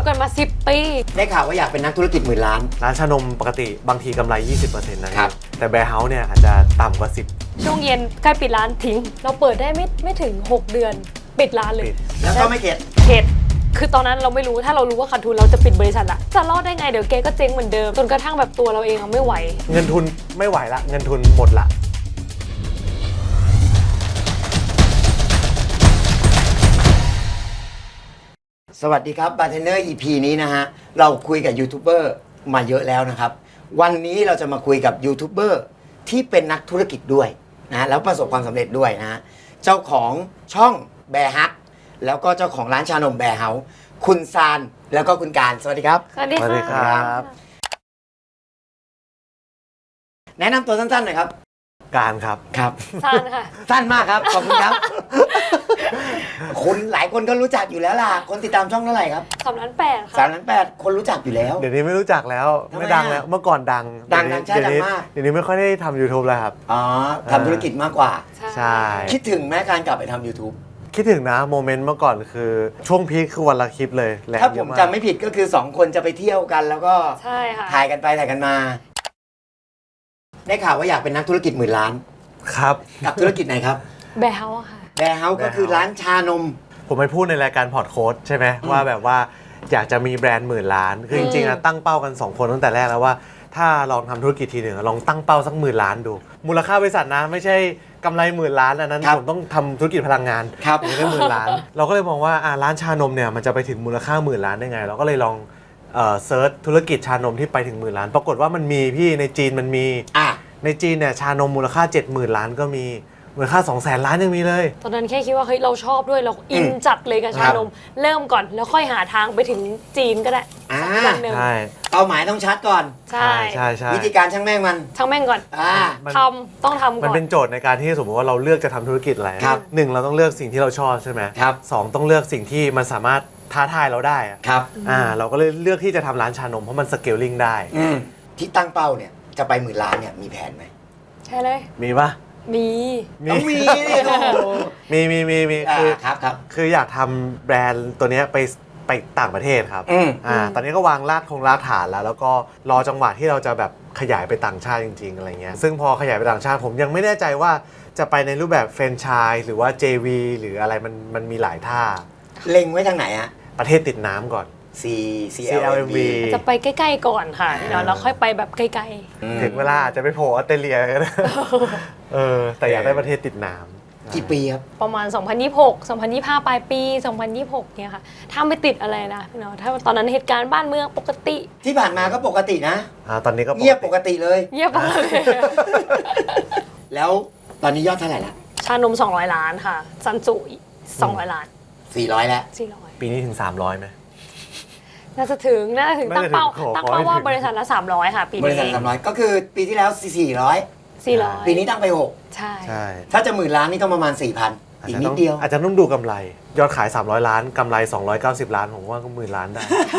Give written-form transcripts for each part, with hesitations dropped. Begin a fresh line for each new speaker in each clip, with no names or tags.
บกันมา10 ปี
ได้ข่าวว่าอยากเป็นนักธุรกิจหมื่นล้าน
ร้านชานมปกติบางทีกำไร 20% นะครับแต่แบร์เฮาส์เนี่ยอาจจะต่ำกว่า 10
ช่วงเย็นใกล้ปิดร้านทิ้งเราเปิดได้ไม่ถึง6 เดือนปิดร้านเลย
แล้วก็ไม่เข็ด
คือตอนนั้นเราไม่รู้ถ้าเรารู้ว่าขาดทุนเราจะปิดบริษัทอะจะรอดได้ไงเดี๋ยวแกก็เจ๊งเหมือนเดิมจนกระทั่งแบบตัวเราเองไม่ไหว
เงินทุนไม่ไหวละเงินทุนหมดละ
สวัสดีครับบาร์เทนเนอร์ EP นี้นะฮะเราคุยกับยูทูบเบอร์มาเยอะแล้วนะครับวันนี้เราจะมาคุยกับยูทูบเบอร์ที่เป็นนักธุรกิจด้วยนะแล้วประสบความสำเร็จด้วยนะเจ้าของช่องแบร์ฮักแล้วก็เจ้าของร้านชานมแบร์เฮาส์คุณซานแล้วก็คุณการสวัสดีครับ
สวัสดีครับ
แนะนำตัวสั้นๆหน่อยครับ
การครับ
ซานค่ะ
สั้นมากครับขอบคุณครับคุณหลายคนก็รู้จักอยู่แล้วล่ะคนติดตามช่องเท่าไหร่ครับ
3,800,000ค่ะ
3,800,000คนรู้จักอยู่แล้ว
เดี๋ยวนี้ไม่รู้จักแล้วไม่ดังแล้วเมื่อก่อนดัง
ใช่ดังมาก
เดี๋ยวนี้ไม่ค่อยได้ทำ YouTube แล้วครับ
อ๋อทำธุรกิจมากกว่า
ใช่
คิดถึงแม้การกลับไปทำ YouTube
คิดถึงนะโมเมนต์เมื่อก่อนคือช่วงพีคคือวันละคลิปเลย
ถ้าผมจำไม่ผิดก็คือ2คนจะไปเที่ยวกันแล้วก็
ใช่ค่ะ
ถ่ายกันไปถ่ายกันมาได้ข่าวว่าอยากเป็นนักธุรกิจหมื่นล้าน
ครับ
กับธุรกิจไหนครับ
แบร์เฮาส์ค่ะ
แบร์เฮาส์ก็คือร้านชานม
ผมไปพูดในรายการพอดโค้ดใช่ไหมว่าแบบว่าอยากจะมีแบรนด์หมื่นล้านคือจริงๆนะตั้งเป้ากัน2คนตั้งแต่แรกแล้วว่าถ้าลองทำธุรกิจทีหนึ่งลองตั้งเป้าสัก10,000 ล้านดูมูลค่าบริษัทนะไม่ใช่กำไร10,000 ล้านอันนั้นผมต้องทำธุรกิจพลังงานถึงได้10,000 ล้านเราก็เลยมองว่าร้านชานมเนี่ยมันจะไปถึงมูลค่า10,000 ล้านได้ไงเราก็เลยลองเซิร์ชธุรกิจชานมที่ไปถึง10,000 ล้านปรากฏว่ามันมีพี่ในจีนมันมีในจีนเนี่ยชานมมูลค่า 70,000 ล้านก็มีมูลค่า 200,000 ล้านยังมีเลย
ตอนนั้นแค่คิดว่าเฮ้ยเราชอบด้วยเราอินจัดเลยกับชานมเริ่มก่อนแล้วค่อยหาทางไปถึงจีนก็ได้
วันหนึ่งเป้าหมายต้องชัดก่อน
ใช่
วิธีการช่างแม่ง
ก่อนต้องทำก่อน
มันเป็นโจทย์ในการที่สมมติว่าเราเลือกจะทำธุรกิจอะไรหนึ่งเราต้องเลือกสิ่งที่เราชอบใช่ไหมสองต้องเลือกสิ่งที่มันสามารถท้าทายเราได้เราก็เลยเลือกที่จะทำร้านชานมเพราะมันสเกลลิ่งได้
ที่ตั้งเป้าเนี่ยจะไป10,000 ล้านเนี่ยมีแผนไหม
ใช่เลย
มีปะ
ต้องมี
คืออยากทำแบรนด์ตัวนี้ไปต่างประเทศครับตอนนี้ก็วางรากฐานแล้วก็รอจังหวะที่เราจะแบบขยายไปต่างชาติจริงๆอะไรเงี้ยซึ่งพอขยายไปต่างชาติผมยังไม่แน่ใจว่าจะไปในรูปแบบแฟรนไชส์หรือว่า JV หรืออะไรมันมีหลายท่า
เล็งไว้ทางไหนฮะ
ประเทศติดน้ำก่อน
CLMV
จะไปใกล้ๆก่อนค่ะเดี๋ยวเราค่อยไปแบบไกล
ๆถึงเวลาจะไปโผล่ออสเตรเลียก็ได้แต่อยากได้ประเทศติดน้
ำกี่ปีครับ
ประมาณ2026 2025ปลายปี2026เนี่ยค่ะถ้าไม่ติดอะไรนะพี่น้องถ้าตอนนั้นเหตุการณ์บ้านเมืองปกติ
ที่ผ่านมาก็ปกตินะ
ตอนนี้ก็
เงียบปกติเลย
เงียบเลย
แล้วตอนนี้ยอดเท่าไหร่ละ
ชานม200 ล้านค่ะซันจุ200 ล้าน
400แล้ว
400
ปีนี้ถึง300ไหม
น่าจะถึงตั้งเป้าว่าบริษัทละ300ค่ะปีนี้
บริษัท300ก็คือปีที่แล้ว400ปีนี้ตั้งไป6
ใช่
ถ้าจะ10,000 ล้านนี่ต้องประมาณ 4,000 อีกนิดเดียว
อาจจะต้องดูกำไรยอดขาย300 ล้านกำไร290 ล้านผมว่าก็10,000 ล้านได้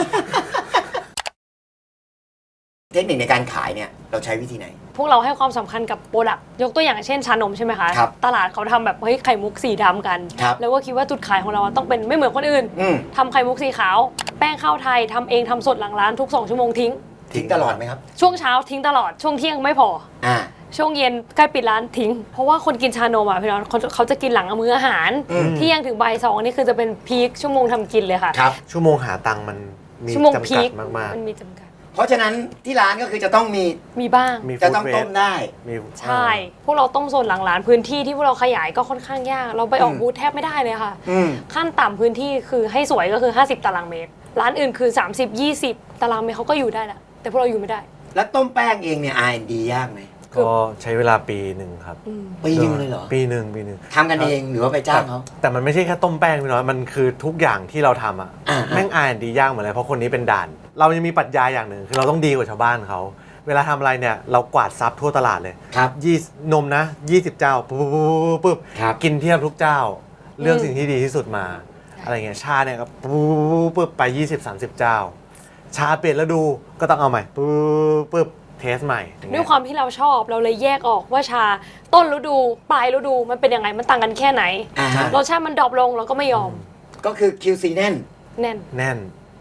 เทคนิคในการขายเนี่ยเราใช้วิธีไหน
พวกเราให้ความสำคัญกับโปรดักต์ยกตัวอย่างเช่นชานมใช่ไหมคะตลาดเขาทำแบบเฮ้ยไข่มุกสีดำกันแล้วก็คิดว่าจุดขายของเราต้องเป็นไม่เหมือนคนอื่นทำไข่มุกสีขาวแป้งข้าวไทยทำเองทำสดหลังร้านทุก2 ชั่วโมงทิ้ง
ตลอดไหมครับ
ช่วงเช้าทิ้งตลอดช่วงเที่ยงไม่พอช่วงเย็นใกล้ปิดร้านทิ้งเพราะว่าคนกินชานมพี่น้องเขาจะกินหลังมื้ออาหารเที่ยงถึงบ่าย2นี่คือจะเป็นพีคชั่วโมงทำกินเลยค่ะ
ชั่วโมงหาตังค์มันมีจำกัดมากๆ
มันมีจำกัด
เพราะฉะนั้นที่ร้านก็คือจะต้อง
มีบ้าง
จะต้องต้มได้
ใช่พวกเราต้มโซนหลังร้านพื้นที่ที่พวกเราขยายก็ค่อนข้างยากเราไปออกบูธแทบไม่ได้เลยค่ะขั้นต่ำพื้นที่คือให้สวยก็คือ50 ตารางเมตรร้านอื่นคือ30-20 ตารางเมตรเขาก็อยู่ได้แหละแต่พวกเราอยู่ไม่ได้
แล้วต้มแป้งเองเนี่ย R&D ยากไหม
ก็ใช้เวลาปีหนึ่งครับ
ปีนึงเลยเหรอ
ปีหนึ่ง
ทำกันเองหรือว่าไปจ้างเขา
แต่มันไม่ใช่แค่ต้มแป้งพี่น้อยมันคือทุกอย่างที่เราทำแม่ง R&D ยากเหมือนเลยเพราะคนนี้เป็นด่านเรายังมีปรัชญาอย่างหนึ่งคือเราต้องดีกว่าชาวบ้านเขาเวลาทำอะไรเนี่ยเรากวาดซับทั่วตลาดเลยนมนะ20 เจ้าปุ๊บกินเทียบทุกเจ้าเลือกสิ่งที่ดีที่สุดมาอะไรเงี้ยชาเนี่ยก็ปุ๊บไป20-30 เจ้าชาเปลี่ยนแล้วดูก็ต้องเอาใหม่ปุ๊บเทสใหม่
ด้วยความที่เราชอบเราเลยแยกออกว่าชาต้นฤดูปลายฤดูมันเป็นยังไงมันต่างกันแค่ไหนรสชาติมันดรอปลงเราก็ไม่ยอม
ก็คือ QC แน่น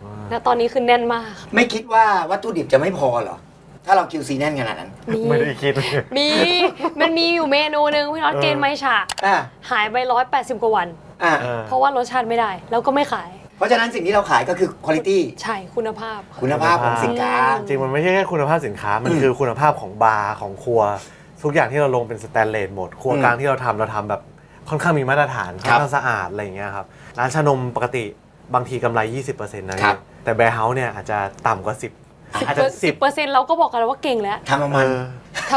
แล้วตอนนี้คือแน่นมาก
ไม่คิดว่าวัตถุดิบจะไม่พอเหรอ ถ้าเรา QC แน่นขนาดนั้น
ไม่ได้คิด
มันมีอยู่เมนูหนึ่งพี่น็อตเกณฑ์ไมฉะ
อ่า
หายไป180กว่าวัน
อ่า
เพราะว่ารสชาติไม่ได้ แล้วก็ไม่ขาย
เพราะฉะนั้นสิ่งที่เราขายก็คือคุณภาพ
ใช่คุณภาพค่ะ
คุณภาพของสินค้า
จริงมันไม่ใช่แค่คุณภาพสินค้า มันคือคุณภาพของบาร์ของครัว ทุกอย่างที่เราลงเป็นสแตนเลสหมด ครัวกลางที่เราทำแบบค่อนข้างมีมาตรฐานค่อนข้างสะอาดอะไรอย่างเงี้ยครับ ร้านชานมปกติบางทีกำไร 20%นะครับ แต่แบร์เฮาส์เนี่ยอาจจะต่ำกว่า 10 อาจจะ
10%เราก็บอกกันแล้วว่าเก่งแล้ว
ทำประมาณ
ถ้า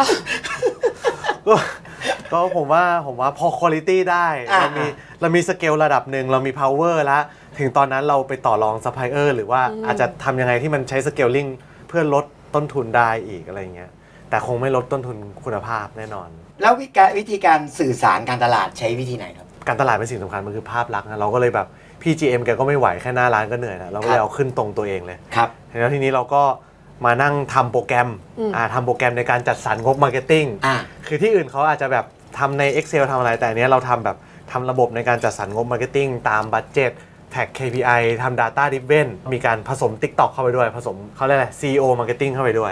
ก็ผมว่าพอคุณภาพได้
อ่า
เรามีสเกลระดับหนึ่งเรามี power แล้ว ถึงตอนนั้นเราไปต่อรองซัพพลายเออร์หรือว่าอาจจะทำยังไงที่มันใช้สเกลลิงเพื่อลดต้นทุนได้อีกอะไรเงี้ยแต่คงไม่ลดต้นทุนคุณภาพแน่นอน
แล้ววิธีการสื่อสารการตลาดใช้วิธีไหนครับ
การตลาดเป็นสิ่งสำคัญมันคือภาพลักษณ์นะเราก็เลยแบบพี่ GM แกก็ไม่ไหวแค่หน้าร้านก็เหนื่อยแล้วเราก็เลยเอาขึ้นตรงตัวเองเลย
ครับ
แล้วทีนี้เราก็มานั่งทำโปรแกรมทำโปรแกรมในการจัดสรรงบมาร์เก็ตติ้ง คือที่อื่นเขาอาจจะแบบทำใน Excel ทำอะไร แต่อันเนี้ยเราทำแบบทำระบบในการจัดสรรงบมาร์เก็ตติ้งตามบัดเจ็ตแท็ก KPI ทำ Data Driven มีการผสม TikTok เข้าไปด้วย ผสมเขาเรียกอะไร CEO Marketing เข้าไปด้วย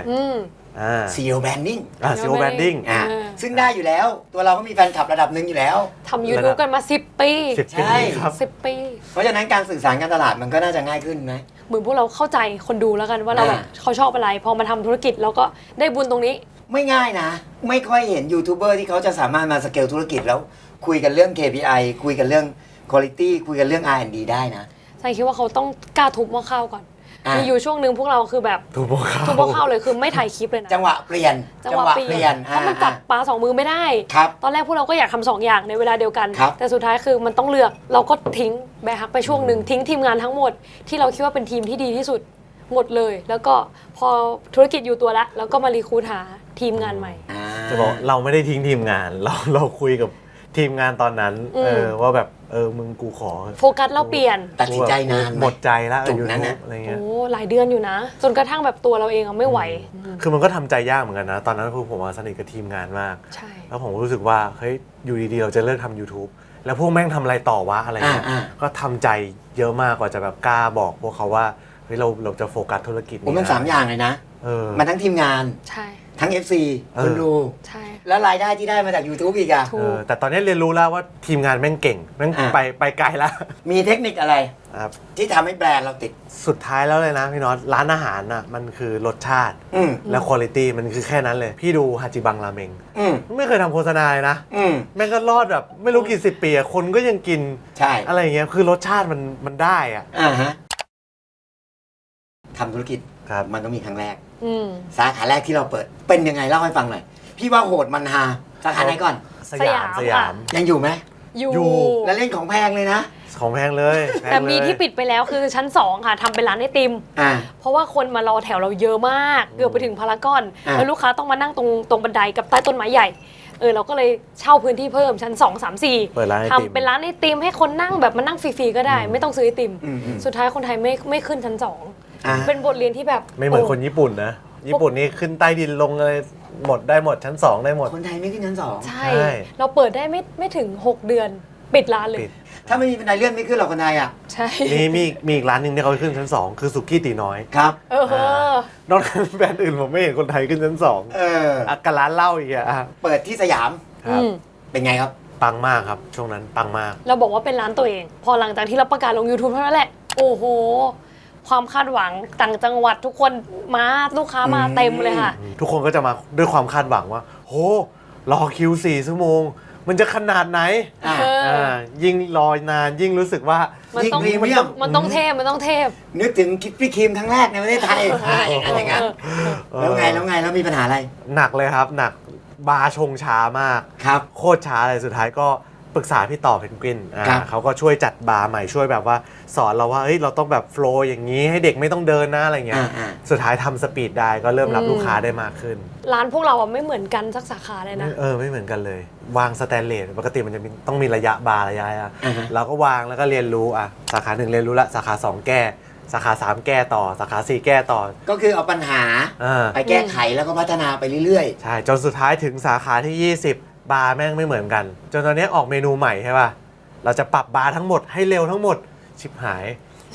CEO Branding
CEO Branding
ซึ่งได้อยู่แล้ว ตัวเราก็มีแฟนคลับระดับหนึ่งอยู่แล้ว
ทำ YouTube กันมา 10 ปี
10 ปี
ใช่
ครับ
10 ปี
เพราะฉะนั้นการสื่อสารการตลาดมันก็น่าจะง่ายขึ้นไหม
เหมือนพวกเราเข้าใจคนดูแล้วกันว่าเราแบบเขาชอบอะไร พอมาทำธุรกิจเราก็ได้บุญตรงนี้
ไม่ง่ายนะ ไม่ค่อยเห็นยูทูบเบอร์ที่เขาจะสามารถมาสเกลธุรกิจแล้วคุยกันเรื่อง KPI คุยกันเรื่อง Quality คุยกันเรื่อง R&D ได้นะ
ใช่คิดว่าเขาต้องกล้าทุบหม้อข้าวก่อน
อ่ะ
มีอยู่ช่วงหนึ่งพวกเราคือแบบ
ถูกบอก
ทุบหม้อข้าวเลยคือไม่ถ่ายคลิปเลยนะ
จังหวะเปลี่ยน
จังหวะเปลี่ยนเพราะมันจับปลาสองมือไม่ได้
ครับ
ตอนแรกพวกเราก็อยากทำสองอย่างในเวลาเดียวกัน
ครับ
แต่สุดท้ายคือมันต้องเลือกเราก็ทิ้งแบร์ฮักไปช่วงหนึ่งทิ้งทีมงานทั้งหมดที่เราคิดว่าเป็นทีมที่ดีที่สุดหมดเลย แล้วก็พอธุรกิจอยู่ตัวแล้วเราก็มารีครูทหาทีมงานใหม่
จะบอกเราไม่ได้ทิ้งทีมงาน เราคุยกับทีมงานตอนนั้นว่าแบบมึงกูขอ
โฟกัสเราเปลี่ยน
ตัดสินใจนานไหม
หมดใจแล้ว
จุดนั้นน่ะ
อะไรเงี้ย
โอ้หลายเดือนอยู่นะ จนกระทั่งแบบตัวเราเองอะไม่ไหว
คือมันก็ทำใจยากเหมือนกันนะ ตอนนั้นคือผมสนิทกับทีมงานมาก
ใช่
แล้วผมก็รู้สึกว่าเฮ้ยอยู่ดีๆเราจะเลิกทำ YouTube แล้วพวกแม่งทำอะไรต่อวะอะไรเงี้ยก็ทำใจเยอะมากกว่าจะแบบกล้าบอกพวกเขาว่าเฮ้ยเราจะโฟกัสธุรกิจ
ผมมัน
ะ
3 อย่างเลยนะ มันทั้งทีมงาน
ใช่
ทั้ง FC คนดู
ใช่
แล้วรายได้ที่ได้มาจาก YouTube อีกอะ
ถูก
แต่ตอนนี้เรียนรู้แล้วว่าทีมงานแม่งเก่งแม่งไปไกลแล้ว
มีเทคนิคอะไร
ครับ
ที่ทำให้แบรนด์เราติด
สุดท้ายแล้วเลยนะพี่น็อตร้านอาหารน่ะมันคือรสชาติ
อืม
และคุณภาพมันคือแค่นั้นเลย พี่ดูฮาจิบังราเมง
อืม
ไม่เคยทำโฆษณาเลยนะ
อืม
แม่งก็รอดแบบไม่รู้กี่สิบปีอะคนก็ยังกิน
ใช่
อะไรอย่างเงี้ยคือรสชาติมันได้อะ
ฮะทำธุรกิจ
ครับ
มันต้องมีครั้งแรก
อืม
สาขาแรกที่เราเปิด เป็นยังไงเล่าให้ฟังหน่อย พี่ว่าโหดมันฮาสาขาไหนก่อน
สยาม
สยาม
ยังอยู่ไหม
อยู่
อยู่
แล้วเล่นของแพงเลยนะ
ของแพงเลยพง
แต่มี
เลย
ที่ปิดไปแล้วคือชั้น 2 ค่ะทำเป็นร้านไอติม
อ่า
เพราะว่าคนมารอแถวเราเยอะมาก เกือบไปถึงพารากอน แล้วลูกค้าต้องมานั่งตรงบันไดกับใต้ต้นไม้ใหญ่ เราก็เลยเช่าพื้นที่เพิ่มชั้น 2 3
เปิดร้านไอ
4
ติม
ทำเป็นร้านไอติมให้คนนั่งแบบมานั่งฟรีๆก็ได้ ไม่ต้องซื้อไอติม
อืม
สุดท้ายคนไทยไม่ขึ้นชั้น
อ่า
2 เป็นบทเรียนที่แบบ
ไม่เหมือนคนญี่ปุ่นนะ ญี่ปุ่นนี่ขึ้นใต้ดินลงอะไรหมดได้หมดชั้น 2 ได้หมด
คนไทยไม่ขึ้นชั้น 2
ใช่
ใช่
เราเปิดได้ไม่ถึง 6 เดือน ปิดร้านเลย
ปิด
ถ้าไม่มีบันไดเลื่อนไม่ขึ้นหรอกคนไทยอ่ะ
ใช่
มีอีกร้านหนึ่งที่เขาขึ้นชั้น 2 คือสุกี้ตีน้อย
ครับ
นอกจากแบรนด์อื่นผมไม่เห็นคนไทยขึ้นชั้น 2
เออ
กับร้านเหล้าอีกอะ
เปิดที่สยาม
ครับ
เป็นไงครับ
ปังมากครับ ช่วงนั้นปังมาก
เราบอกว่าเป็นร้านตัวเอง พอหลังจากที่เราประกาศลง YouTube เท่านั้นแหละ โอ้โห ความคาดหวังต่างจังหวัดทุกคนมาลูกค้ามาเต็มเลยค่ะ
ทุกคนก็จะมาด้วยความคาดหวังว่า โห รอคิว4 ชั่วโมง มันจะขนาดไหน
อ่า
ยิ่งรอนานยิ่งรู้สึกว่า
มันต้อง
ยิ่งพรีเมียม
มันต้องเทพมันต้องเทพ
นึกถึงคิดพี่ครีมครั้งแรกในประเทศไทยอย่างนั้นแล้วไงแล้วมีปัญหาอะไร
หนักเลยครับหนักบาร์ชงช้ามาก
ครับ
โคตรช้าเลยสุดท้ายก็ปรึกษาพี่ต่อเพนกวิน
ครับ
เขาก็ช่วยจัดบาร์ใหม่ช่วยแบบว่าสอนเราว่าเฮ้ยเราต้องแบบโฟลว์อย่างนี้ให้เด็กไม่ต้องเดินนะอะไรเงี้ย สุดท้ายทำสปีดได้ก็เริ่มรับลูกค้าได้มากขึ้น
ร้านพวกเราอะไม่เหมือนกันสักสาขาเลยนะ
ไม่เหมือนกันเลย วางสแตนเลสปกติมันจะต้องมีระยะบาร์ระยะ
อ่าฮะ
เราก็วางแล้วก็เรียนรู้สาขา 1เรียนรู้ละสาขา 2 แก้สาขา 3 แก้ต่อสาขา 4 แก้ต่อ
ก็คือเอาปัญหา ไปแก้ไขแล้วก็พัฒนาไปเรื่อย
ใช่จนสุดท้ายถึงสาขาที่ 20 บาร์แม่งไม่เหมือนกัน จนตอนนี้ออกเมนูใหม่ใช่ป่ะเราจะปรับบาร์ทั้งหมดให้เร็วทั้งหมดชิบหาย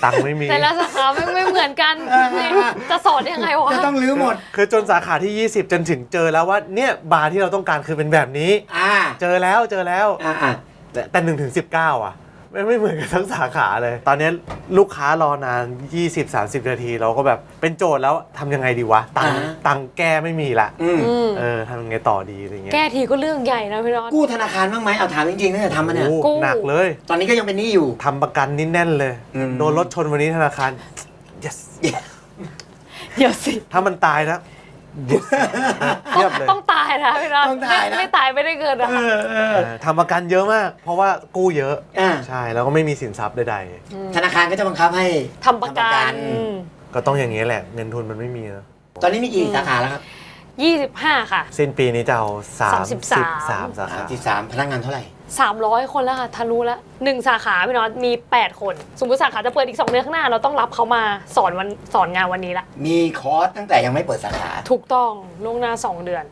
ตังค์ไม่มี
แต่ละสาขาไม่เหมือนกันจะสอนยังไงวะ
จะต้องรื้อหมด
คือจนสาขาที่ 20 จนถึงเจอแล้วว่าเนี่ยบาร์ที่เราต้องการคือเป็นแบบนี้ เจอแล้วแต่1 ถึง 19 อ่ะไม่เหมือนกันทั้งสาขาเลย ตอนนี้ลูกค้ารอนาน 20-30 นาทีเราก็แบบเป็นโจทย์แล้วทำยังไงดีวะ ตังค์แก้ไม่มีละทำยังไงต่อดีอะไรเงี้ย
แก้ทีก็เรื่องใหญ่นะพี่น็อต
กู้ธนาคารบ้างไหมเอาถามจริงๆตั้งแต่ทำมาเนี่ย
โอ้
กู้
หนักเลย
ตอนนี้ก็ยังเป็นหนี้อยู่
ทำประกันนี่แน่นเลย โดนรถชนวันนี้ธนาคาร yes
เดี๋ยวสิ
ถ้ามันตายนะ yes เทียบเลย
ต้องตายนะพี่น็อต
ต้องตายนะ
ไม่ตายไม่ได้เกินนะคะ
ทำประกันเยอะมาก เพราะว่ากู้เยอะ
อ่า
ใช่แล้วก็ไม่มีสินทรัพย์ใด
ธนาคารก็จะบังคับให้
ทำประกัน
ๆก็ต้องอย่างนี้แหละเงินทุนมันไม่มีนะ
ตอนนี้มีกี่สาขาแล้วครับ
25 ค่ะ
สิ้นปีนี้จะเอา33
33
สาขา
33พนักงานเท่าไหร่
300 คนแล้วค่ะทะลุแล้ว1สาขาพี่น็อตมี 8 คน สมมติสาขาจะเปิดอีก 2 เดือนข้างหน้า เราต้องรับเขามาสอนงานวันนี้ละ
มีคอร์สตั้งแต่ยังไม่เปิดสาขา
ถูกต้องล่วงหน้า 2 เดือน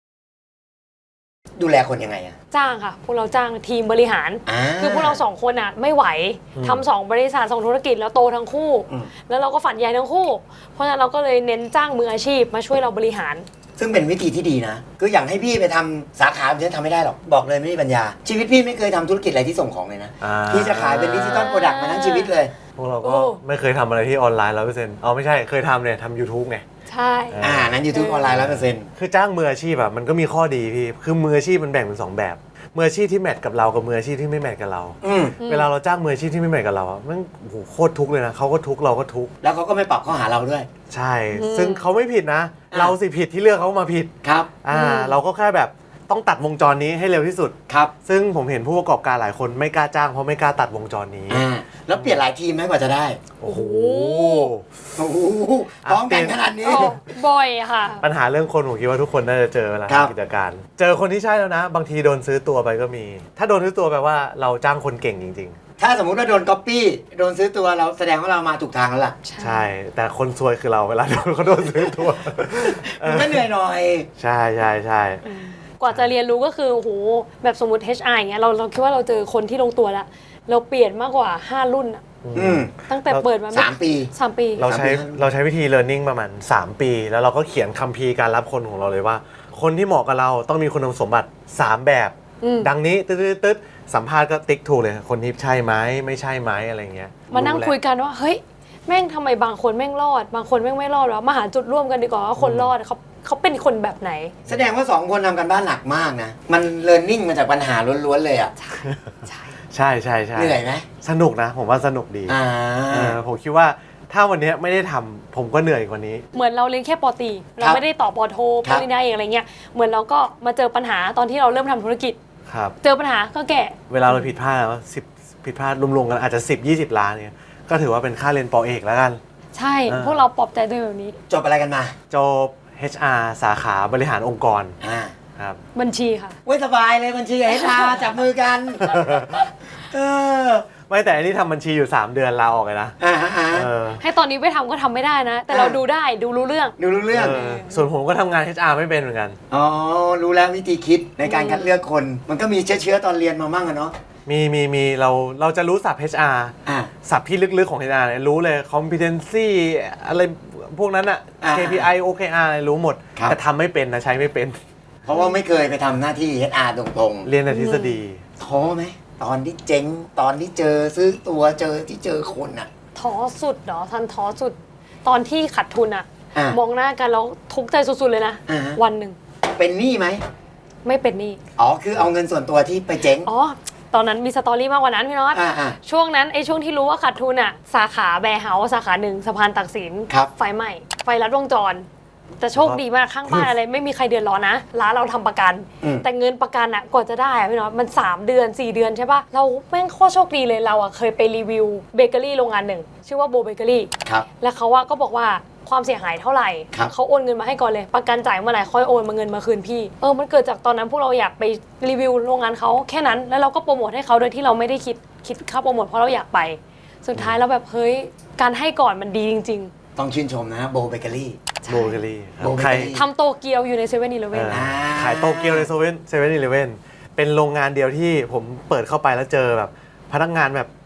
ดูแลคนยังไงอะ
จ้างค่ะ พวกเราจ้างทีมบริหาร คือพวกเรา2 คนอ่ะไม่ไหวทำ2 บริษัท 2 ธุรกิจแล้วโตทั้งคู่ แล้วเราก็ฝันใหญ่ทั้งคู่ เพราะฉะนั้นเราก็เลยเน้นจ้างมืออาชีพมาช่วยเราบริหาร
ซึ่งเป็นวิธีที่ดีนะ คืออย่างให้พี่ไปทำสาขาพี่ทำไม่ได้หรอก บอกเลยไม่มีปัญญา ชีวิตพี่ไม่เคยทำธุรกิจอะไรที่ส่งของเลยนะ พี่จะขายเป็นดิจิตอลโปรดักต์มาทั้งชีวิตเลย
พวกเราก็
โอ้
ไม่เคยทำอะไรที่ออนไลน์100%เอาไม่ใช่เคยทำเนี่ยทำ YouTube ไง
ใช่
นั้น YouTube ออนไลน์100%
คือจ้างมืออาชีพอะมันก็มีข้อดีพี่คือมืออาชีพมันแบ่งเป็น2แบบมืออาชีพที่แมทกับเรากับมืออาชีพที่ไม่แมทกับเรา เวลาเราจ้างมืออาชีพที่ไม่แมทกับเราอะมันโอ้โหโคตรทุกข์เลยนะเขาก็ทุกข์เราก็ทุกข์
แล้วเขาก็ไม่ปรับข้อหาเราด้วย
ใช่ ซึ่งเขาไม่ผิดนะ เราสิผิดที่เลือกเขามาผิด
ครับ
เราก็แค่แบบต้องตัดวงจรนี้ให้เร็วที่สุด
ครับ
ซึ่งผมเห็นผู้ประกอบการหลายคนไม่กล้าจ้างเพราะไม่กล้าตัดวงจรนี้
แล้วเปลี่ยนหลายทีมไหมกว่าจะได้
โอ้โห
โอ้โหพร้อมกันขนาดนี้
โอ้บ่อยค่ะ
ปัญหาเรื่องคนผมคิดว่าทุกคนน่าจะเจอเวลา
ครับ
ทำกิจการ เจอคนที่ใช่แล้วนะ บางทีโดนซื้อตัวไปก็มี ถ้าโดนซื้อตัวแปลว่าเราจ้างคนเก่งจริง
ถ้าสมมุติว่าโดนก๊อปปี้โดนซื้อตัวเราแสดงว่าเรามาถูกทางแล้วล่ะ
ๆ ใช่ แต่คนซวยคือเราเวลาเขาโดนซื้อตัว
มันก็เหนื่อยหน่อย
ใช่ใช่ใช่
กว่าจะเรียนรู้ก็คือโอ้โหแบบสมมติ HR อย่างเงี้ยเราคิดว่าเราเจอคนที่ลงตัวแล้ว เราเปลี่ยนมากกว่า 5 รุ่นอะ ตั้งแต่เปิดมา
3 ปี
3 ปี
เราใช้วิธี learning ประมาณ3 ปี แล้วเราก็เขียนคัมภีร์การรับคนของเราเลยว่า คนที่เหมาะกับเราต้องมีคุณสมบัติ 3 แบบ ดังนี้ตึ๊ดสัมภาษณ์ก็ติ๊กถูกเลย คนนี้ใช่ไหมไม่ใช่ไหมอะไรเงี้ย
มานั่งคุยกันว่าเฮ้ยแม่งทำไมบางคนแม่งรอด บางคนแม่งไม่รอดวะมาหาจุดร่วมกันดีกว่าว่าคนรอดเขาเป็นคนแบบไหน
แสดงว่า 2 คนทำกันบ้านหนักมากนะ มันเรียนรู้มาจากปัญหาล้วนๆเลยอ่ะ
ใช่
ใช่ใช่ใช่
เหนื่อยไหม
สนุกนะ ผมว่าสนุกดีผมคิดว่าถ้าวันนี้ไม่ได้ทำผมก็เหนื่อยกว่านี้
เหมือนเราเรียนแค่ปอตรีเราไม่ได้ต่อปอโทปริญญาเอกอะไรเงี้ยเหมือนเราก็มาเจอปัญหาตอนที่เราเริ่มทำธุรกิจ
ครับ
เจอปัญหาก็แก้
เวลาเราผิดพลาดว่าผิดพลาดรวมๆกันอาจจะ10-20 ล้านเนี่ยก็ถือว่าเป็นค่าเรียนปอเอกแล้วกัน
ใช่พวกเราปลอบใจตัวเองแบบนี้
จบอะไรกันมา
จบ HR สาขาบริหารองค์กรครับ
บัญชีค่ะ
เว้ยสบายเลยบัญชีกับHR จับมือกันเออ
ไม่แต่อันนี้ทำบัญชีอยู่3 เดือนลาออกเลยนะ
ให้ตอนนี้ไปทำก็ทำไม่ได้นะ แต่เราดูได้ดูรู้เรื่อง
ดูรู้เรื่อง
ส่วนผมก็ทำงาน HR ไม่เป็นเหมือนกัน
อ๋อ รู้แล้ววิธีคิดในการคัดเลือกคน มันก็มีเชื้อตอนเรียนมามั่งอะเนาะ
มีเราจะรู้ศัพท์ HR ศัพท์ที่ลึกๆของ HR เนี่ยรู้เลย competency อะไรพวกนั้นอะ KPI OKR อะไรรู้หมด แต่ทำไม่เป็นนะใช้ไม่เป็น
เพราะว่าไม่เคยไปทำหน้าที่ HR ตรงๆ
เรียนแต่ทฤษฎี
ท้อไหมตอนที่เจ๊งตอนที่เจอซื้อตัวเจอคนอ่ะ
ท้อสุดเหรอทันท้อสุด ตอนที่ขาดทุนอะมองหน้ากันแล้วทุกข์ใจสุดๆเลยนะ วันหนึ่ง
เป็นหนี้ไหม
ไม่เป็นหนี้
อ๋อคือเอาเงินส่วนตัวที่ไปเจ๊ง
อ๋อตอนนั้นมีสตอรี่มากกว่านั้นพี่น็อตช่วงนั้นช่วงที่รู้ว่าขาดทุนอะสาขาแบร์เฮาส์สาขาหนึ่งสะพานตักสินไฟไหม้ไฟลัดวงจรแต่โชคดีมากข้างบ้านอะไรไม่มีใครเดือดร้อนนะร้านเราทำประกัน แต่เงินประกันอะกว่าจะได้อะพี่น็อตมัน3 เดือน 4 เดือนใช่ปะเราแม่งโคตรโชคดีเลยเราอะเคยไปรีวิวเบเกอรี่โรงงานหนึ่งชื่อว่าโบเบเกอรี่แล้วเขาก็บอกว่าความเสียหายเท่าไหร่เขาโอนเงินมาให้ก่อนเลยประกันจ่ายเมื่อไหร่ค่อยโอนมาเงินมาคืนพี่มันเกิดจากตอนนั้นพวกเราอยากไปรีวิวโรงงานเขาแค่นั้นแล้วเราก็โปรโมทให้เขาโดยที่เราไม่ได้คิดค่าโปรโมทเพราะเราอยากไปสุดท้ายเราแบบเฮ้ยการให้ก่อนมันดีจริงๆ
ต้องชื่นชมนะโบเบเกอรี่
โบเกอรี่
ใคร
ทำโตเกียวอยู่ในเซเว่นอีเลฟเว่น
ขายโตเกียวในเซเว่นอีเลฟเว่นเป็นโรงงานเดียวที่ผมเปิดเข้าไปแล้วเจอแบบพนักงานแบบ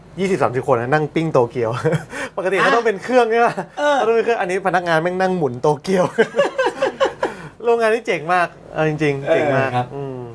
20-30 คนนะนั่งปิ้งโตเกียว ปกติเขาต้องเป็นเครื่องใช่ไหมเขาต้องเป็นเครื่องอันนี้พนักงานแม่งนั่งหมุนโตเกียว โรงงานนี้เจ๋งมากจริงๆเจ๋งมาก
ครับ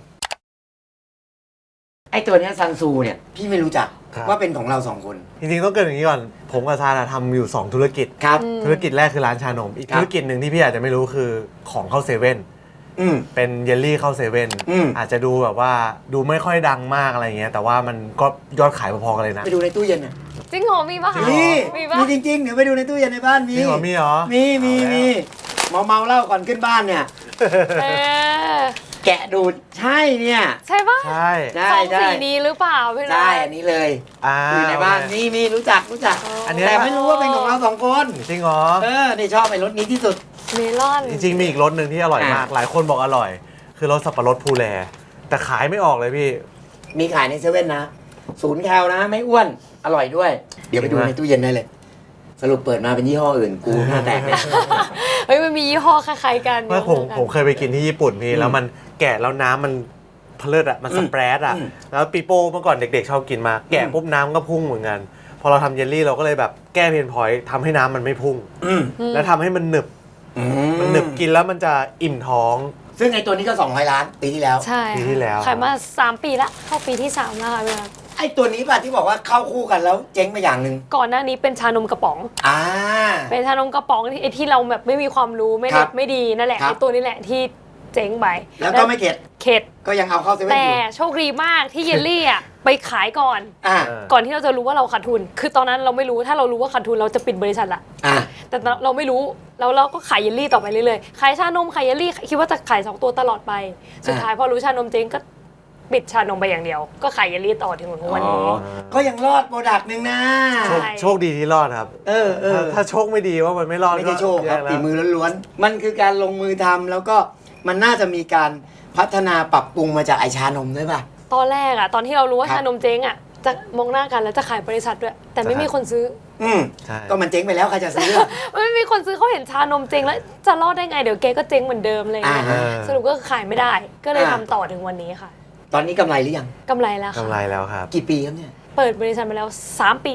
ไอตัวเนี้ยซันซูเนี่ยพี่ไม่รู้จัก
ครับ
ว่าเป็นของเรา2 คน
จริงๆต้องเกรินอย่างนี้ก่อนผมกับซาทำอยู่ 2 ธุรกิจ
ครับ
ธุรกิจแรกคือร้านชานม อีก
ครับ
ธุรกิจหนึ่งที่พี่อาจจะไม่รู้คือของเข้าเซเว่น
อืม
เป็นเยลลี่เข้าเซเว่น อาจจะดูแบบว่าดูไม่ค่อยดังมากอะไรเงี้ยแต่ว่ามันก็ยอดขายพอๆกันเลยนะ
ไปดูในตู้เย็นน่ะ
จริงเหรอมีปะคะ
จริงเหรอ
มีปะ
มีจริงๆเดี๋ยวไปดูในตู้เย็นในบ้านมี
จริงเหรอมีเหรอ
มีเมาเหล้าก่อนขึ้นบ้านเนี่ย
เออ
แกะดูดใช่เนี่ย
ใช่ปะ
ใช่
ใช่
ซอง
ใช่
สีนี้หรือเปล่าพี่น้
ใช่
อย
อันนี้เลย
อ่า
อยู่ในบ้าน
โอเค
มีรู้จัก
อันเนี้ย
แต่ไม่รู้ว่าเป็นของเรา2 คน
จริงเหรอ
นี่ชอบไอ้รสนี้ที่สุด
เมลอน
จริงๆมีอีกรสหนึ่งที่อร่อยมาก หลายคนบอกอร่อย คือรสสับปะรดภูแลแต่ขายไม่ออกเลยพี่
มีขายในเซเว่นนะ0 แคลนะไม่อ้วนอร่อยด้วย เดี๋ยวไปดูในตู้เย็นได้เลย สรุปเปิดมาเป็นยี่ห้ออื่นกูหน้าแตกแน่
เฮ้ยมันมียี่ห้อคล้ายๆกัน
เมื่อผมเคยไปกินที่ญี่ปุ่นพี่แล้วมันแกะแล้วน้ำมันเพลิดอ่ะมันสเปรดอ่ะแล้วปีโป้เมื่อก่อนเด็กๆชอบกินมาแกะปุ๊บน้ำก็พุ่งเหมือนกันพอเราทำเยลลี่เราก็เลยแบบแก้เพนพอยต์ทำให้น้ำมันไม่พุ่ง แล้วทำให้มันหนึบมันหนึบกินแล้วมันจะอิ่มท้อง
ซึ่งไอ้ตัวนี้ก็200 ล้านปีที่แล้ว
ใช่
ปีที่แล้ว
ขายมา3 ปีละเข้าปีที่3แล้วค่ะพี่น้อย
ไอ้ตัวนี้ป่ะที่บอกว่าเข้าคู่กันแล้วเจ๊งไปอย่างหนึ่ง
ก่อนหน้านี้เป็นชานมกระป๋อง
อ่า
เป็นชานมกระป๋องที่ไอ้ที่เราแบบไม่มีความรู้ไม่
ครั
เด็
บ
ดไม่ดีนั่นแหละ
ครับ
ไอ้ตัวนี้แหละที่เจ๊งไป
แล้วก็ไม่เข็ด
เข็ด
ก็ยังเอาเข้าเซเว่น
แต่
อยู่
โชคดีมากที่เยลลี่อ่ะไปขายก่อน
อ่า
ก่อนที่เราจะรู้ว่าเราขาดทุน คือตอนนั้นเราไม่รู้ถ้าเรารู้ว่าขาดทุนเราจะปิดบริษัทละ
อ่า
แต่เราไม่รู้แล้วเราก็ขายเยลลี่ต่อไปเรื่อยๆขายชานมขายเยลลี่คิดว่าจะขาย2 ตัวตลอดไป สุดท้ายพอรู้ชานมเจ๊งก็ปิดชานมไปอย่างเดียว ก็ขายเยลลี่ต่อถึงวันนี้
ก็ยังรอดโปรดักต์หนึ่งนะ
ใช่
โชคดีที่รอดครับ ถ้าโชคไม่ดีว่ามันไม่รอด
ไม่ใช่โชคครับ
แย่แล้ว
ฝีมือล้วนๆ มันคือการลงมือทำแล้วก็มันน่าจะมีการพัฒนาปรับปรุงมาจากไอชานมด้วยป่ะ
ตอนแรกอะตอนที่เรารู้ว่า
ครับ
ชานมเจ๊งอะจะมองหน้ากันแล้วจะขายบริษัทด้วย แต่ไม่มีคนซื้อ
ใช่
ก็มันเจ๊งไปแล้วใครจะซื้อ
ไม่มีคนซื้อเขาเห็นชานมเจ๊งแล้วจะรอดได้ไงเดี๋ยวแกก็เจ๊งเหมือนเดิมเลย
อ่า
สรุปก็ขายไม่ได้ ก็เลยทำต่อถึงวันนี้ค่ะ
ตอนนี้กำไรหรือยัง
กำไรแล้วค่ะ
กำไรแล้วครับ
กี่ปีครับเนี่ย
เปิดบริษัทมาแล้ว3 ปี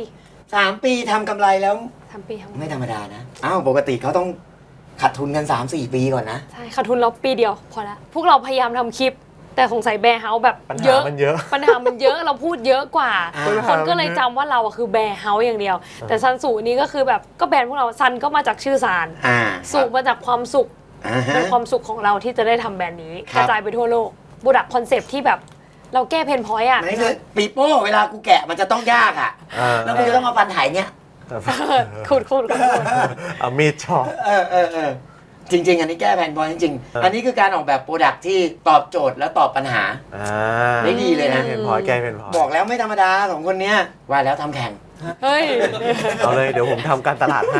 3 ปีทำกำไรแล้ว
3 ปีทั้งหมด
ไม่ธรรมดานะอ้าวปกติเขาต้องขาดทุนกัน 3-4 ปีก่อนนะ
ใช่ขาดทุนเราปีเดียวพอละพวกเราพยายามทำคลิป แต่สงสัยแบร์เฮาส์แบบ
ปัญ
เย
หา
อะ
มันเยอะ
ปัญหามันเยอะเราพูดเยอะกว่า
อ่า
คนก็เลยจำว่าเราอะคือแบร์เฮาส์อย่างเดียว แต่ซันสูนี้ก็คือแบบก็แบรนด์พวกเราซันก็มาจากชื่อซาน
อ่า
สูมาจากความสุข
อ่าฮะ
เป็นความสุขของเราที่จะได้ทำแบรนด์นี้
ค
ก
รับ
ระจายไปทั่วโลกบูดักคอนเซปต์ที่แบบเราแก้เพนพอยต์อะ
มันคือปีโป้เวลากูแกะมันจะต้องยากอ่ะ แล้วกูจะต้องเอาฟันไถเนี่ย
ขูด
เอามีดชอบ
จริง ๆ อันนี้แก้แผนบอลจริง ๆ อันนี้คือการออกแบบโปรดักที่ตอบโจทย์และตอบปัญหา ได้ดีเลยนะ
เพนพอยแก้เพนพอย
บอกแล้วไม่ธรรมดา2 คนเนี้ยว่าแล้วทำแข่ง
เฮ้ย
เอาเลยเดี๋ยวผมทำการตลาดให้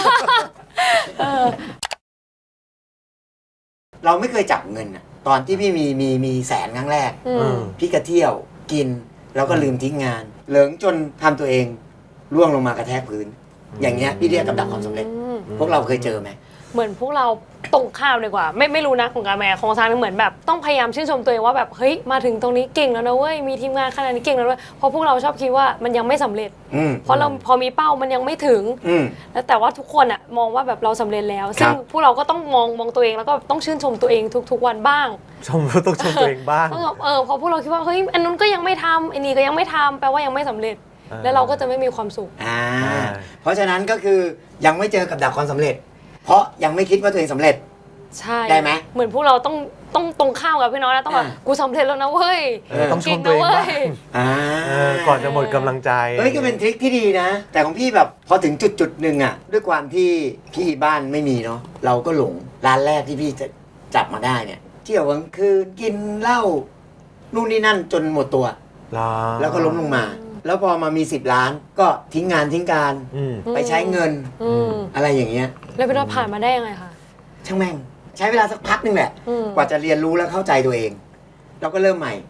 เราไม่เคยจับเงินอะตอนที่พี่มีแสนครั้งแรก
อืม
พี่ก็เที่ยวกิน แล้วก็ลืมทิ้งงาน เหลิงจนทำตัวเองร่วงลงมากระแทกพื้น อย่างเงี้ยพี่เรียกกับดักความสำเร็จ พวกเราเคยเจอไหม
เหมือนพวกเราตรงข้ามดีกว่า ไม่รู้นะของการแม่ของซานเหมือนแบบต้องพยายามชื่นชมตัวเองว่าแบบเฮ้ยมาถึงตรงนี้เก่งแล้วนะเว้ยมีทีมงานขนาดนี้เก่งแล้วเว้ยเพราะพวกเราชอบคิดว่ามันยังไม่สำเร็จ เพราะเราพอมีเป้ามันยังไม่ถึง แล้วแต่ว่าทุกคนอะมองว่าแบบเราสำเร็จแล้ว ซึ่งพวกเราก็ต้องมองตัวเองแล้วก็ต้องชื่นชมตัวเองทุกวันบ้าง
ต้องชมตัวเองบ้าง
ต้องแบบพอพวกเราคิดว่าเฮ้ยอันนู้นก็ยังไม่ทำไอ้นี่ก็ยังไม่ทำแปลว่ายังไม่สำเร็จ แล้วเราก็จะไม่มีความสุข
เพราะฉะนั้นก็คือยังไม่เจอกับดักความสำเร็จ เพราะยังไม่คิดว่าตัวเองสำเร็จ
ใช่
ได้ไหม
เหมือนพวกเราต้องตรงข้ามกับพี่น้อยนะต้องแบบกูสำเร็จแล้วนะเว้ย
ต้องชมตัวเองบ้าง ก่อนจะหมดกำลังใจ
เฮ้ยก็เป็นทริคที่ดีนะ แต่ของพี่แบบพอถึงจุดหนึ่งอะด้วยความที่พี่บ้านไม่มีเนาะเราก็หลงร้านแรกที่พี่จะจับมาได้เนี่ยเที่ยวกลางคืนกินเหล้านู่นนี่นั่นจนหมดตัว แล้วก็ล้มลงมา แล้วพอมามี10 ล้านก็ทิ้งงานทิ้งการไปใช้เงินอะไรอย่างเงี้ย
แล้วพี่น้อยผ่านมาได้ยังไงคะ
ช่างแม่งใช้เวลาสักพักหนึงแหละ กว่าจะเรียนรู้และเข้าใจตัวเองเราก็เริ่มใหม่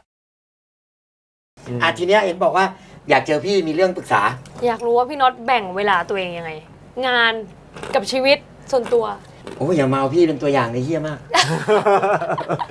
ทีเนี้ยเห็นบอกว่าอยากเจอพี่มีเรื่องปรึกษา
อยากรู้ว่าพี่น็อตแบ่งเวลาตัวเองยังไง งานกับชีวิตส่วนตัว
โอ้ยอย่ามาเอาพี่เป็นตัวอย่างในเฮี้ยมาก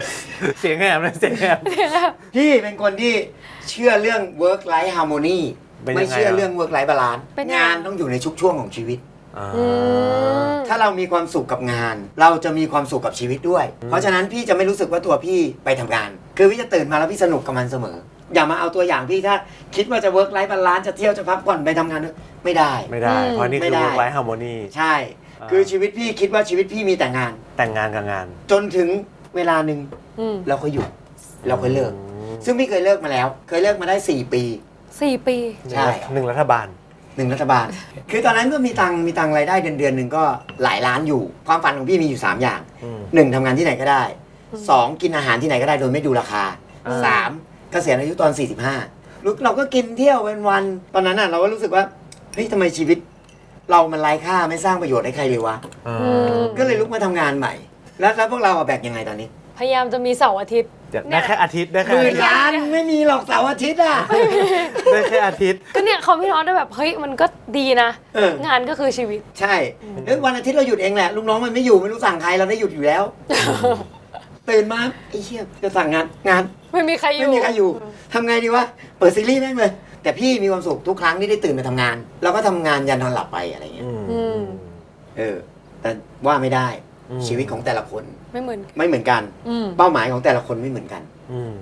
เสียงแหบเลยเสียงแหบ
พี่เป็นคนที่เชื่อเรื่อง work life harmony
เป็น
ไม่
ยังไง
เชื่อ
อะ
เรื่อง work life balance
เป็นยังไง
งานต้องอยู่ในทุกช่วงของชีวิต
อ่า
อืม
ถ้าเรามีความสุขกับงาน เราจะมีความสุขกับชีวิตด้วย เพราะฉะนั้นพี่จะไม่รู้สึกว่าตัวพี่ไปทำงาน คือพี่จะตื่นมาแล้วพี่สนุกกับมันเสมอ อย่ามาเอาตัวอย่างพี่ถ้าคิดว่าจะ work life balance จะเที่ยวจะพักผ่อนไปทำงานไม่ได้
ไม่ได้ เพราะนี่
ไม่
คือ
ได้
work life harmony
ใช่ คือชีวิตพี่คิดว่าชีวิตพี่มีแต่งาน
แต่งงานกับงาน
จนถึงเวลาหนึ่ง
อืม
เราก็หยุดเราก็เลิก ซึ่งพี่เคยเลิกมาแล้ว เคยเลิกมาได้ 4 ปี
4 ปี
ใช่
หนึ่งรัฐบาล
1 รัฐบาล คือตอนนั้นก็มีตังค์รายได้เดือนหนึ่งก็หลายล้านอยู่ ความฝันของพี่มีอยู่ 3 อย่าง
อืม
1ทำงานที่ไหนก็ได้ 2 กินอาหารที่ไหนก็ได้โดยไม่ดูราคา 3 เกษียณอายุตอน 45เราก็กินเที่ยวเป็นวัน ตอนนั้นน่ะเราก็รู้สึกว่าเฮ้ยทำไมชีวิต เรามันไร้ค่าไม่สร้างประโยชน์ให้ใครเลยวะ
อ่า
ม
ก็เลยลุกมาทำงานใหม่ แล้วพวกเราอะแบกยังไงตอนนี้
พยายามจะมีเสาร์อาทิตย์
อยากได้แค่อาทิตย์ได้
ห
แค่
มื่นล้านไม่มีหรอกเสาร์อาทิตย์อ่ะ
ได้แค่อาทิตย์
ก็เนี่ยเขาพี่น็อตได้แบบเฮ้ยมันก็ดีนะ
เออ
งานก็คือชีวิต
ใช่แล้ววันอาทิตย์เราหยุดเองแหละลูกน้องมันไม่อยู่ไม่รู้สั่งใครเราได้หยุดอยู่แล้ว ตื่นมาไอ้เชี่ยจะสั่งงาน
ไม่มีใครอยู่
ไม่มีใครอยู่ทำไงดีวะเปิดซีรีส์แม่งเลยแต่พี่มีความสุขทุกครั้งที่ได้ตื่นมาทำงาน เราก็ทำงานยันนอนหลับไปอะไรเงี้ย
อืม
แต่ว่าไม่ได้
อืม
ชีวิตของแต่ละคน
ไม่เหมือน
ไม่เหมือนกัน
อืม
เป้าหมายของแต่ละคนไม่เหมือนกัน
อืม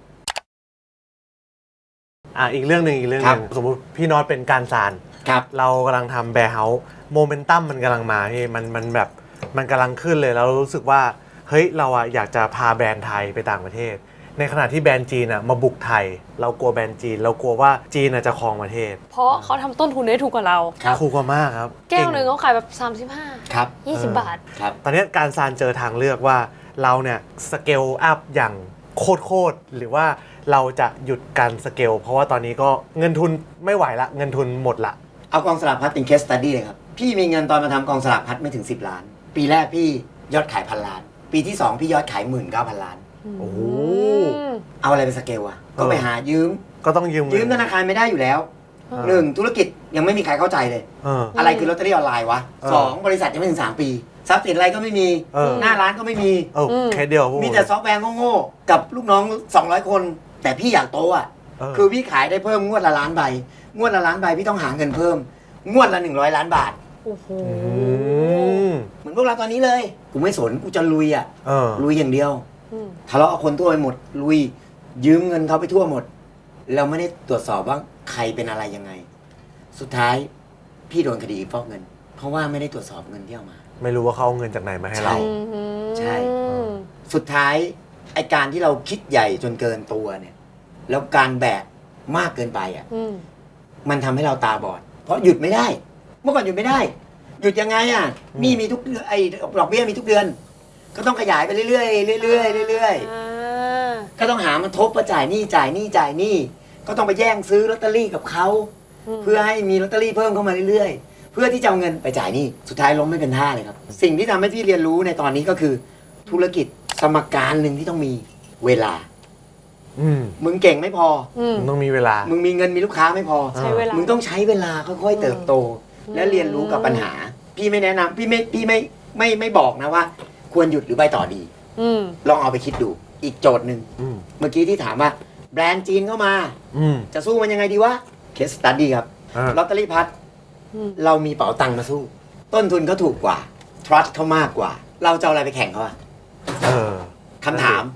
อีกเรื่องหนึ่ง
ครับ
สมมุติพี่น็อตเป็นการซาน
ครับ
เรากำลังทำแบร์เฮาส์โมเมนตัมมันกำลังมาพี่มันแบบมันกำลังขึ้นเลยแล้วรู้สึกว่าเฮ้ยเราอะอยากจะพาแบรนด์ไทยไปต่างประเทศ ในขณะที่แบรนด์จีนอะมาบุกไทย เรากลัวแบรนด์จีน เรากลัวว่าจีนอะจะครองประเทศ
เพราะเขาทำต้นทุนได้ถูกกว่าเรา
ครับ
ถูกกว่ามากครับ
แก้วหนึ่ง
เ
เขาขายแบบ
ครับ
35 20 บาท
ครับ
ตอนนี้การซานเจอทางเลือกว่าเราเนี่ยสเกลอัพอย่างโคตรหรือว่าเราจะหยุดการสเกลเพราะว่าตอนนี้ก็เงินทุนไม่ไหวละเงินทุนหมดละ
เอากองสลากพัดเป็น case study เลยครับ พี่มีเงินตอนมาทำกองสลากพัดไม่ถึง 10 ล้าน ปีแรกพี่ยอดขาย1,000 ล้าน ปีที่ 2 พี่ยอดขาย 19,000 ล้าน
โอ้โห
เอาอะไรไปสเกลอะก็ไปหายืม
ก็ต้องยืม
ยืมธนาคารไม่ได้อยู่แล้วหนึ่งธุรกิจยังไม่มีใครเข้าใจเลย
เออ
อะไรคือลอตเตอรี่ออนไลน์วะ
เออ
สองบริษัทยังไม่ถึง 3 ปี ทรัพย์สินอะไรก็ไม่มี
เออ
หน้าร้านก็ไม่มี
เออแค่เดียวพวก
มีแต่ซอฟต์แวร์โง่ๆกับลูกน้อง 200 คน แต่พี่อยากโตอ่ะ
เออ
คือพี่ขายได้เพิ่มงวดละล้านใบ งวดละล้านใบพี่ต้องหาเงินเพิ่ม งวดละ100 ล้านบาท
โอ้โห
อืม
เหมือนพวกเราตอนนี้เลย กูไม่สน กูจะลุยอ่ะ
เออ
ลุยอย่างเดียว
อืม
ทะเลาะกับคนทั่วไปหมด ลุย ยืมเงินเขาไปทั่วหมด เราไม่ได้ตรวจสอบว่าใครเป็นอะไรยังไง สุดท้ายพี่โดนคดีฟอกเงิน เพราะว่าไม่ได้ตรวจสอบเงินที่เอามา
ไม่รู้ว่าเขาเอาเงินจากไหนมาให้เรา
ใช่
อืม
ใช่ สุดท้ายไอการที่เราคิดใหญ่จนเกินตัวเนี่ย แล้วการแบกมากเกินไปอ่ะ
อืม
มันทำให้เราตาบอด เพราะหยุดไม่ได้ เมื่อก่อนหยุดไม่ได้ หยุดยังไงอ่ะหนี่มีทุกเดือนไอดอกเบี้ยมีทุกเดือน ก็ต้องขยายไปเรื่อยๆเรื่อยๆเรื่อยๆ
อ่า
ก็ต้องหามันทบมาจ่ายหนี้จ่ายหนี้จ่ายหนี้ก็ต้องไปแย่งซื้อลอตเตอรี่กับเขา เพื่อให้มีลอตเตอรี่เพิ่มเข้ามาเรื่อยๆ เพื่อที่จะเอาเงินไปจ่ายหนี้สุดท้ายล้มไม่เป็นท่าเลยครับ สิ่งที่ทำให้พี่เรียนรู้ในตอนนี้ก็คือ ธุรกิจสมการหนึ่งที่ต้องมีเวลา
อืม
มึงเก่งไม่พอ
อืม
มึงต้องมีเวลา
มึงมีเงินมีลูกค้าไม่พอ
ใช้เวลา
มึงต้องใช้เวลาค่อยๆเติบโต และเรียนรู้กับปัญหา พี่ไม่แนะนำพี่ไม่บอกนะว่า ควรหยุดหรือไปต่อดี
อืม
ลองเอาไปคิดดูอีกโจทย์หนึ่ง
อืม
เมื่อกี้ที่ถามว่าแบรนด์จีนเข้ามา
อืม
จะสู้มันยังไงดีวะเคสตัดดี้ครับ
อ่า
ลอตเตอรี่พัด
อืม
เรามีเป๋าตังค์มาสู้ ต้นทุนเขาถูกกว่า trust เขามากกว่า เราจะเอาอะไรไปแข่งเขาอะ
เออ
คำถาม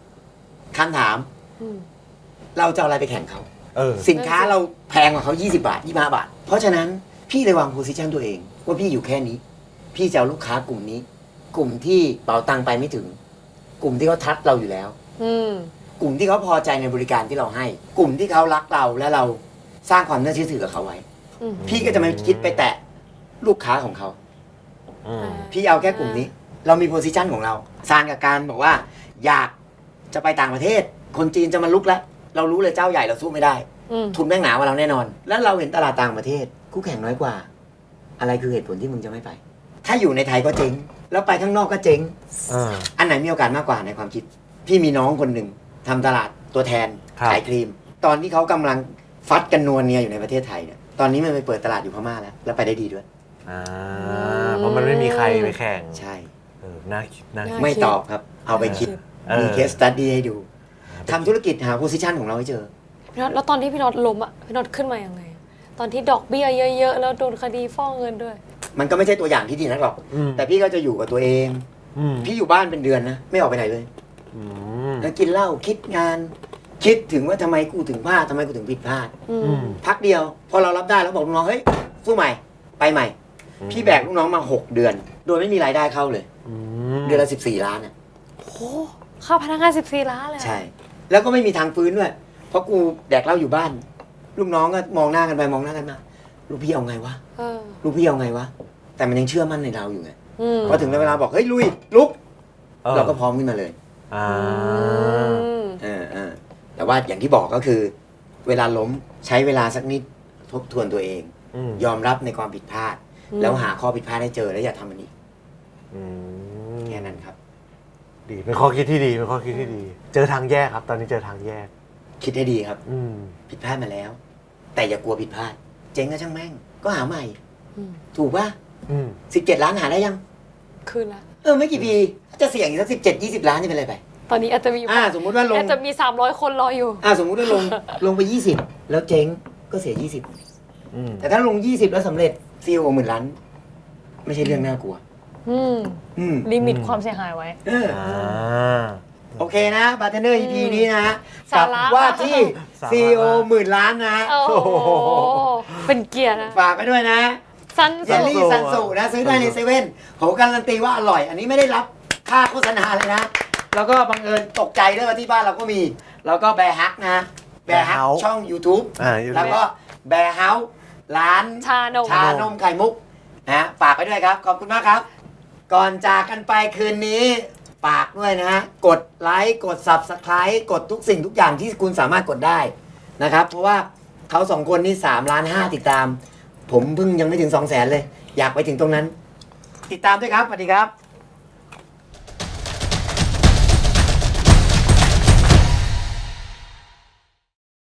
อืม
เราจะเอาอะไรไปแข่งเขา
เออ
สินค้าเราแพงกว่าเขา20 บาท 25 บาท เพราะฉะนั้นพี่เลยวางโพซิชันตัวเอง ว่าพี่อยู่แค่นี้ พี่จะเอาลูกค้ากลุ่มนี้ กลุ่มที่เป๋าตังค์ไปไม่ถึง กลุ่มที่เขาทัดเราอยู่แล้ว
อืม
กลุ่มที่เขาพอใจในบริการที่เราให้ กลุ่มที่เขารักเราและเราสร้างความน่าเชื่อถือกับเขาไว้
อืม
พี่ก็จะไม่คิดไปแตะลูกค้าของเขา
อืม
พี่เอาแค่กลุ่มนี้ เรามีโพซิชันของเราซานกับการบอกว่า อยากจะไปต่างประเทศ คนจีนจะมาลุกแล้ว เรารู้เลยเจ้าใหญ่เราสู้ไม่ได้
อืม
ทุนแม่งหนากว่าเราแน่นอน แล้วเราเห็นตลาดต่างประเทศ คู่แข่งน้อยกว่า อะไรคือเหตุผลที่มึงจะไม่ไป ถ้าอยู่ในไทยก็เจ๊ง แล้วไปข้างนอกก็เจ๊ง
อ่า
อันไหนมีโอกาสมากกว่าในความคิด พี่มีน้องคนหนึ่งทำตลาดตัวแทน
ครับ
ขายครีม ตอนที่เขากำลังฟัดกันนัวเนียอยู่ในประเทศไทยเนี่ย ตอนนี้มันไปเปิดตลาดอยู่พม่าแล้วไปได้ดีด้วย
อ่าเพราะมันไม่มีใครไปแข่ง
ใช่
เออน่าคิดน่าคิด
ไม่ตอบครับ เอาไปคิด
เออ
มีเคสตัดดี้ให้ดูทำธุรกิจหาโพซิชันของเราให้เจอ
พี่น็อตแล้วตอนที่พี่น็อตล้มอ่ะพี่น็อตขึ้นมายังไงอะตอนที่ดอกเบี้ยเยอะๆแล้วโดนคดีฟ้องเงินด้วย
มันก็ไม่ใช่ตัวอย่างที่ดีนักหรอก แต่พี่ก็จะอยู่กับตัวเอง พี่อยู่บ้านเป็นเดือนนะไม่ออกไปไหนเลยแล้วกินเหล้าคิดงาน คิดถึงว่าทำไมกูถึงพลาดทำไมกูถึงผิดพลาดพักเดียวพอเรารับได้แล้วบอกลูกน้องเฮ้ยสู้ใหม่ไปใหม่ พี่แบกลูกน้องมา6 เดือน โดยไม่มีรายได้เข้าเลยเดือนละ14 ล้านอ่ะ
โอ้โหค่าพนักงาน14 ล้านเลย
ใช่ แล้วก็ไม่มีทางฟื้นด้วยเพราะกูแดกเหล้าอยู่บ้าน ลูกน้องก็มองหน้ากันไปมองหน้ากันมาลูกพี่เอาไงวะ
เออ
ลูกพี่เอาไงวะแต่มันยังเชื่อมั่นในเราอยู่ไง
อืม
พอถึงเวลาบอกเฮ้ยลุยลุกเราก็พร้อมขึ้นมาเลย
อ่า
แต่ว่าอย่างที่บอกก็คือ เวลาล้มใช้เวลาสักนิดทบทวนตัวเอง ยอมรับในความผิดพลาด แล้วหาข้อผิดพลาดให้เจอแล้วอย่าทำมันอีกแค่นั้นครับ
ดีเป็นข้อคิดที่ดีเป็นข้อคิดที่ดี เจอทางแยกครับ ตอนนี้เจอทางแยก
คิดให้ดีครับ
อืม
ผิดพลาดมาแล้ว แต่อย่ากลัวผิดพลาด เจ๊งก็ช่างแม่งก็หาใหม่
อืม
ถูกป่ะ
อืม
17 ล้านหาได้ยัง
คืนละ
ไม่กี่ปีจะเสี่ยงอีกสัก17-20 ล้านนี่เป็นไรไป
ตอนนี้อาจจะมี
สมมุติว่าลง
อาจจะมี300 คนรออยู่
สมมุติว่าลงไป 20 แล้วเจ๊งก็เสีย
อืม
20 แต่ถ้าลง 20 แล้วสำเร็จซีโอ10,000 ล้าน ไม่ใช่เรื่องน่ากลัว
อืม
อืม
ลิมิตความเสียหายไว้
โอเคนะบาร์เทนเนอร์ EP นี้นะ
สา
กับ
ระ
ว่าที่
สาระ
CEO 10,000 ล้านนะ
โอ้โหเป็นเกียร์นะ
ฝากไปด้วยนะ
ซัน
เยลลี่ซันสูนะ ซื้อได้ในเซเว่นผมการันตีว่าอร่อย อันนี้ไม่ได้รับค่าโฆษณาเลยนะ แล้วก็บังเอิญตกใจด้วยว่าที่บ้านเราก็มี แล้วก็แบร์ฮักนะแบร์ฮัก
House
ช่อง YouTube
YouTube
แล้วก็แบร์เฮาส์ร้าน
ชานม
ชานมไข่มุกนะฝากไปด้วยครับ ขอบคุณมากครับ ก่อนจากกันไปคืนนี้ฝากด้วยนะ กดไลค์กด Subscribe กดทุกสิ่งทุกอย่างที่คุณสามารถกดได้นะครับ เพราะว่าเขาสองคนนี่3.5 ล้านติดตาม ผมเพิ่งยังไม่ถึง 200,000 เลย อยากไปถึงตรงนั้น ติดตามด้วยครับสวัสดีครับ